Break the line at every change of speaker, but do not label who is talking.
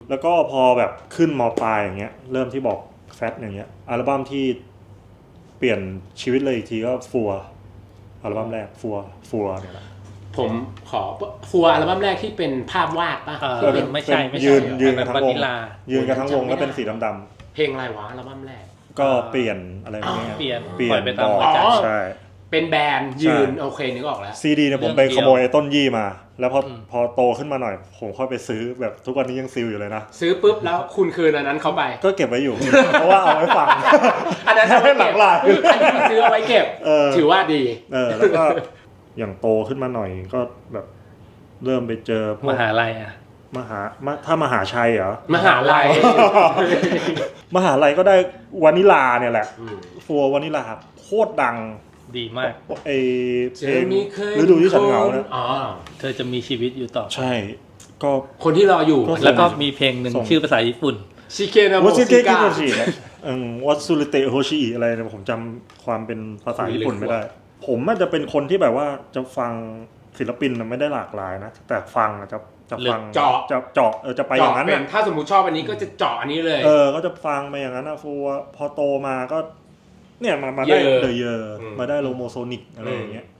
แล้วก็พอแบบขึ้นม.ปลายอย่างเงี้ยเริ่มที่บอกแฟตอย่างเงี้ยอัลบั้มที่เปลี่ยนชีวิตเลยอีกทีก็ฟัวอัลบั้มแรกฟัวเนี่ยแหละ
ผมขอฟัวอัลบั้มแรกที่เป็นภาพวาดป่ะ
ไม่ใช่
ยืนกันทั้งวงยืนกันทั้งวงแล้วเป็นสีดำ
ๆเพลงอะไรวะอัลบั้มแรก
ก็เปลี่ยนอะไรอย่างเงี้ย
เปลี่ยน
ปล่อยไปตามหัวใจใช่
เป็นแบรนด์ยืนโอเคนึกออกแล้ว
ซีดีเนี่ยผมไปขโมยต้นยี่มาแล้วพอโตขึ้นมาหน่อยผมค่อยไปซื้อแบบทุกวันนี้ยังซิลอยู่เลยนะ
ซื้อปุ๊บแล้วคุณคืนอันนั้นเข้าไป
ก็เก็บไว้อยู่ เพราะว่าเอาไว้ฟัง
อันนั้น
ให้หลังลาย
อันนี้ซื้อเอาไว้เก็บถือว่าดี
แล้วก็อย่างโตขึ้นมาหน่อยก็แบบเริ่มไปเจอ
มหาลัยอ่ะ
ถ้ามหาชัยเหรอ
มหาลัย
มหาลัยก็ได้วานิลาเนี่ยแหละฟัววานิลาโคตรดัง
ดีมาก
ไอเพลงฤดูที่ฉันเหงานะ
เธอจะมีชีวิตอยู่ต่อ
ใช่ก็
คนที่รออยู่
แล้วก็มีเพลงหนึ่งชื่อภาษาญี่ปุ่น
ชิเกนะโมซิกะ
วัตสุริเตะโฮชิอิอะไรเนี่ยผมจำความเป็นภาษาญี่ปุ่นไม่ได้ผมมันจะเป็นคนที่แบบว่าจะฟังศิลปินมันไม่ได้หลากหลายนะแต่ฟังจะฟัง
เจาะ
จะไปอย่างนั้นนะ
ถ้าสมมุติชอบอันนี้ก็จะเจาะอันนี้เลย
ก็จะฟังไปอย่างนั้นนะฟัวพอโตมาก็เนี่ยมาได้เดอะเยอร์มาได้โลโมโซนิกอะไรอย่างเงี้ย